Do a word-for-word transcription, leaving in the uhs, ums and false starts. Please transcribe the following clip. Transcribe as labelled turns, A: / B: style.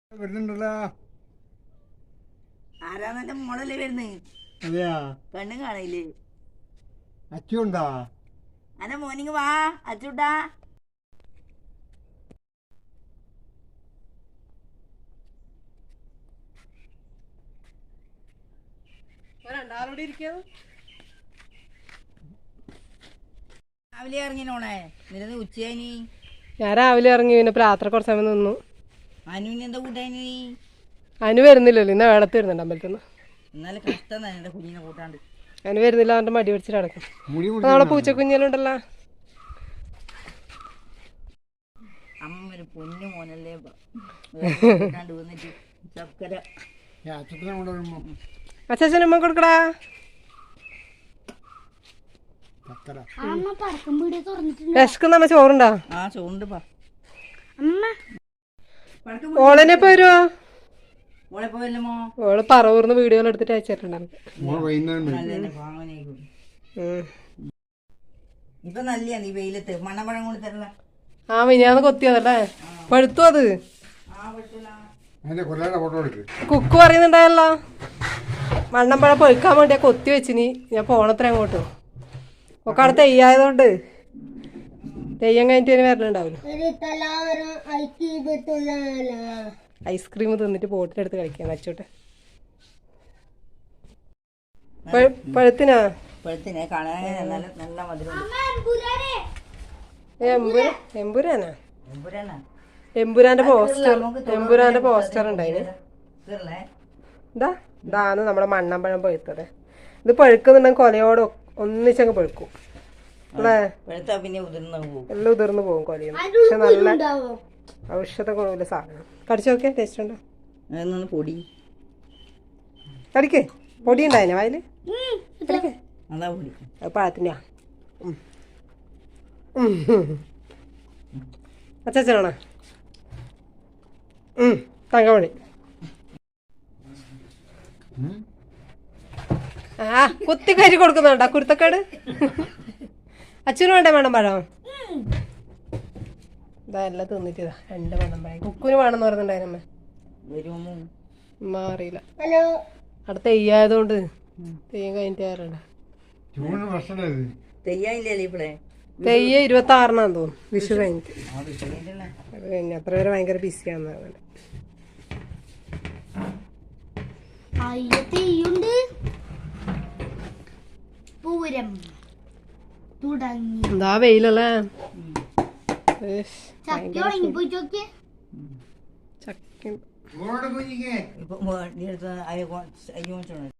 A: വരുന്നുണ്ടല്ലോ.
B: ആരാന്നെ മോളല്ലേ വരുന്നേ?
A: അതെയാ,
B: പെണ്ണും കാണില്ലേ?
A: അച്ചുണ്ടാ?
B: അന്റെ മോർണിംഗ് വാ അച്ചുട്ടാ. രാവിലെ ഇറങ്ങിനോളെ നിന്നത് ഉച്ചയായി.
C: ഞാൻ രാവിലെ ഇറങ്ങി, പിന്നെ രാത്രി കുറച്ച് സമയം നിന്നു.
B: അനുവിന് എന്താ കൂട്ടാനി?
C: അനു വരുന്നില്ലല്ലോ, ഇന്ന് വേളത്ത് വരുന്നുണ്ട് അമ്പലത്തിൽ നിന്ന്.
B: എന്നാലും കഷ്ടം തന്നെ എന്റെ കുഞ്ഞിനെ കൂട്ടാണ്ട്.
C: അനു വരുന്നില്ല, അവൻ്റെ മടി പിടിച്ചിട്ട് നടക്കും. നാളെ പൂച്ചക്കുഞ്ഞിലുണ്ടല്ലോ.
B: അമ്മ ഒരു പൊന്നു മോനല്ലേ കൂട്ടാണ്ട് വന്നിട്ട് ചക്കര
C: അച്ഛനമ്മ കൊടുക്കടാ. വിശക്കുന്ന അമ്മ ചോറുണ്ടാ?
B: ആ ചോറുണ്ട് പാ.
C: ഓളനെപ്പോ വരുവോ?
B: ഓളെപ്പോ വല്ലമോ
C: ഓള് പറവൂർന്ന് വീഡിയോകൾ എടുത്തിട്ട് അയച്ചിട്ടുണ്ടാവും.
B: ഇപ്പൊ നല്ല നീ വെയിലത്ത് മണ്ണപ്പഴം കൊണ്ട് തരല.
C: ആ മിനിയാന്ന് കൊത്തിയതല്ലേ, പഴുത്തു അത്. കുക്ക് പറയുന്നുണ്ടായല്ലോ മണ്ണമ്പഴം പൊയ്ക്കാൻ വേണ്ടിയാ കൊത്തി വെച്ചിനി. ഞാൻ പോണത്ര അങ്ങോട്ട് ഒക്കെ അവിടെ തെയ്യായതുകൊണ്ട് തെയ്യം കഴിഞ്ഞിട്ട് ഇനി വരലുണ്ടാവില്ല. ഐസ്ക്രീം തിന്നിട്ട് ബോട്ടിലെടുത്ത് കളിക്കാൻ വെച്ചോട്ടെ. പഴുത്തിനാ
B: പഴുത്തിനെ കാണാൻ നല്ല നല്ല മധുരം.
C: എമ്പുരാനാ? എമ്പുരാന്റെ പോസ്റ്റർ എമ്പുരാന്റെ പോസ്റ്റർ ഉണ്ടായിന്. ഇതാ ഇതാണ് നമ്മുടെ മണ്ണമ്പഴം പഴുത്തത്. ഇത് പഴുക്കുന്നുണ്ടെങ്കിൽ കൊലയോട് ഒന്നിച്ചങ്ങ് പഴുക്കും അല്ലേ? എല്ലാം ഉതിർന്നു പോകും കൊലയും. പക്ഷെ നല്ല ഔഷധ ഗുണമുള്ള സാധനം. കടിച്ചു നോക്കിയാ ടേസ്റ്റ് ഉണ്ടോ?
B: പൊടി
C: കടിക്ക്. പൊടി ഉണ്ടായിന വായില്? അത് പഴത്തിൻ്റെ അച്ചാച്ചനാണോ? തങ്കമണി. ആ കുത്തി കരി കൊടുക്കുന്നുണ്ടോ കുരുത്തക്കേട്? അച്ഛനും വേണ്ടേ വേണം പഴം? ഇതാ എല്ലാം തിന്നിട്ടാ രണ്ട് വേണം പഴം. കുക്കുന് വേണമെന്ന് പറഞ്ഞിട്ടുണ്ടായിരുന്നമ്മ. ഉമ്മ അറിയില്ല, അവിടെ തെയ്യായതുകൊണ്ട് തെയ്യം കഴിഞ്ഞിട്ട് കയറണ്ട. തെയ്യ ഇരുപത്തി ആറിനാന്ന് തോന്നുന്നു, വിഷു കഴിഞ്ഞിട്ട്. അത് കഴിഞ്ഞ അത്ര പേര് ഭയങ്കര ബിസിയാന്ന് പറഞ്ഞത്. എന്താ വെയിലല്ലേ? ചക്ക